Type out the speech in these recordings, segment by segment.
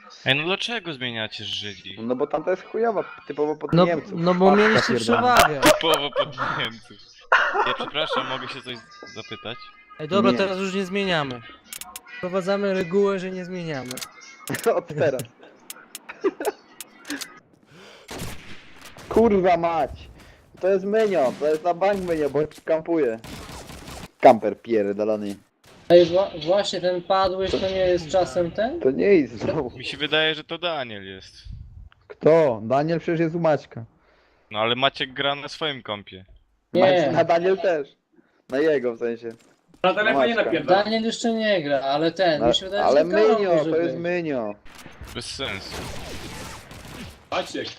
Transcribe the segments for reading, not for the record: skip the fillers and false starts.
Ej, no dlaczego zmieniacie Żydzi? No bo tamta jest chujowa, typowo pod No, Niemców. no bo Patka mieliście pierdolona. przewagę. Typowo pod Niemców. Ja przepraszam, mogę się coś zapytać? Ej, dobra, Nie. teraz już nie zmieniamy. Wprowadzamy regułę, że nie zmieniamy. Od teraz. Kurwa mać! To jest menio, to jest na bank menio, bo kampuje. Kamper pierdolony. Ej, właśnie ten padłeś, to nie jest czasem ten? To nie jest znowu. Mi się wydaje, że to Daniel jest. Kto? Daniel przecież jest u Maćka. No ale Maciek gra na swoim kompie. Nie. Na Daniel też. Na jego w sensie. Na telefonie Maćka. napierdala. Daniel jeszcze nie gra, ale ten, mi się wydaje, Ale że Karol menio, może to jest być. menio. Bez sensu. Maciek.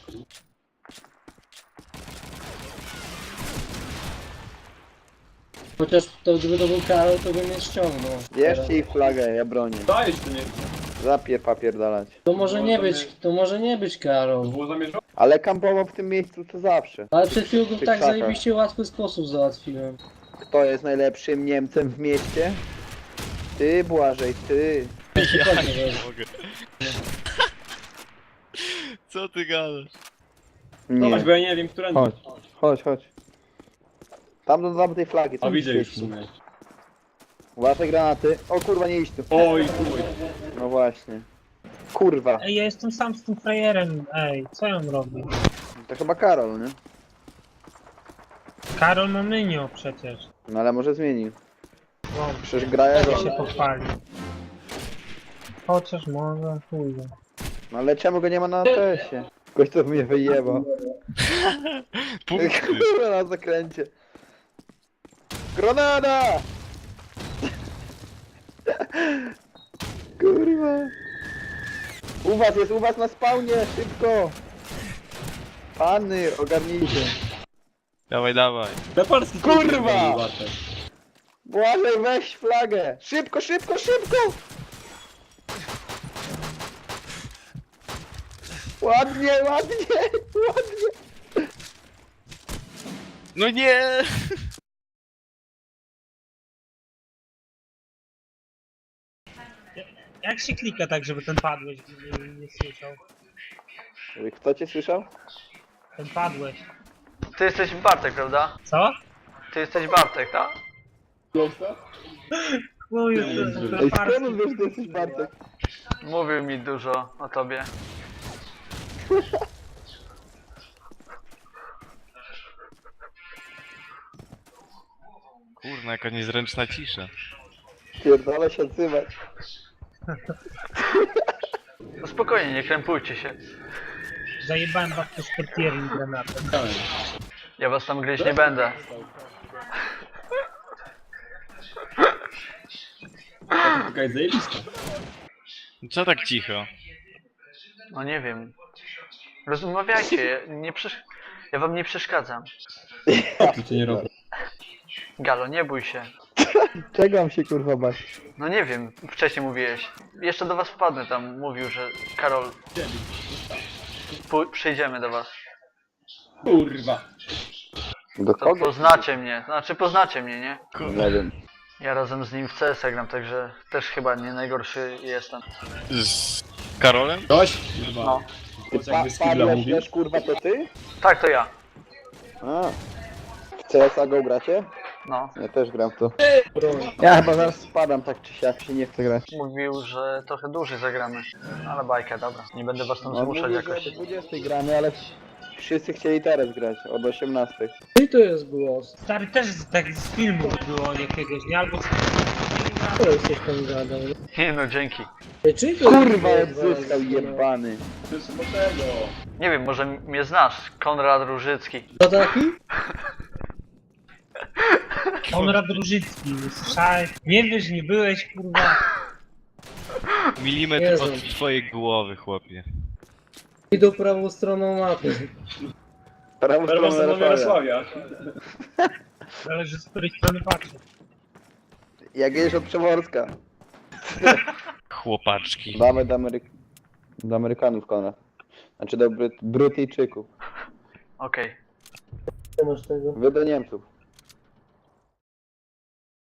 Chociaż to gdyby to był Karol, to bym mnie ściągnął. Bierzcie ich flagę, ja bronię. Dajesz to nie. Zapier papierdalać. To może nie być, to może nie być Karol. Było zamierzone? Ale kampował w tym miejscu co zawsze. Ale przed chwilą go w Tych tak krzakach. zajebiście łatwy sposób załatwiłem. Kto jest najlepszym Niemcem w mieście? Ty, Błażej, ty. Ja nie mogę. Co ty gadasz? Nie. Zobacz, bo ja nie wiem, która... Chodź, chodź, chodź. Tam do tej flagi, co A mi widzę już w świeci? sumie. Uważaj granaty. O kurwa, nie idź tu. Oj, chuj. No właśnie. Kurwa. Ej, ja jestem sam z tym frajerem, ej, co ja mam robić? To chyba Karol, nie? Karol ma menio przecież. No ale może zmienił. No, Przecież gra jego. się pochwali. Chociaż może, chuj. No ale czemu go nie ma na ATS-ie? Ktoś to mnie wyjebał. Punkty. Kurwa na zakręcie. Granada! Kurwa. U was na spawnie, szybko! Pany, ogarnijcie. Dawaj, dawaj. Na polski Kurwa! łatwe. Błażej, weź flagę! Szybko, szybko, szybko! Ładnie, ładnie, ładnie! No nie! Jak się klika tak, żeby ten padłeś nie słyszał? Kto cię słyszał? Ten padłeś. Ty jesteś Bartek, prawda? Co? Ty jesteś Bartek, tak? Chuj, Ej, skąd wiesz, że ty jesteś Bartek? Mówił mi dużo o tobie. Kurna, jaka niezręczna cisza. Pierdolę się odzywać. No spokojnie, nie krępujcie się. Zajebałem was też portierem granatem. Ja was tam gryźć nie będę. Taka jest zajebista. Co tak cicho? No nie wiem. Rozmawiajcie, ja wam nie przeszkadzam. Co cię nie robi? Galo, nie bój się. Czego mam się kurwa bać? No nie wiem, wcześniej mówiłeś. Jeszcze do was wpadnę tam, mówił, że Karol... Przyjdziemy do was. Kurwa. Do To kogo? poznacie mnie, znaczy poznacie mnie, nie? Nie wiem. Ja razem z nim w CS gram, także też chyba nie najgorszy jestem. Z Karolem? Ktoś? Kurwa. No. Ty Chociaż jakby skibla padłeś mówił. też kurwa to ty? Tak, to ja. A. W CSA go gracie? No. Ja też gram w to. Ja chyba zaraz spadam tak czy siak, się nie chce grać. Mówił, że trochę dłużej zagramy. Ale bajka, dobra. Nie będę was tam zmuszać mówi, jakoś. że do 20 gramy, ale wszyscy chcieli teraz grać, od 18. I to jest głos. Stary też tak z filmu było jakiegoś, nie? Albo z... Co jesteś tam gadał? Nie no, dzięki. Ej, czyj to Kurwa jest jak głos? zyskał jebany. To jest po tego. Nie wiem, może mnie znasz. Konrad Różycki. To taki? Konrad Różycki, słyszałeś? Nie wiesz, nie byłeś, kurwa. Milimetr Jezu. od twojej głowy, chłopie. Idą prawą stroną mapy. Prawo Teraz stronę do Jarosławia. Zależy z której strony patrzę. Jak jedziesz od Przeworska. Chłopaczki. Damy do Amerykanów, Konrad. Znaczy do Brytyjczyków. Okej. Co masz tego? Wy do Niemców.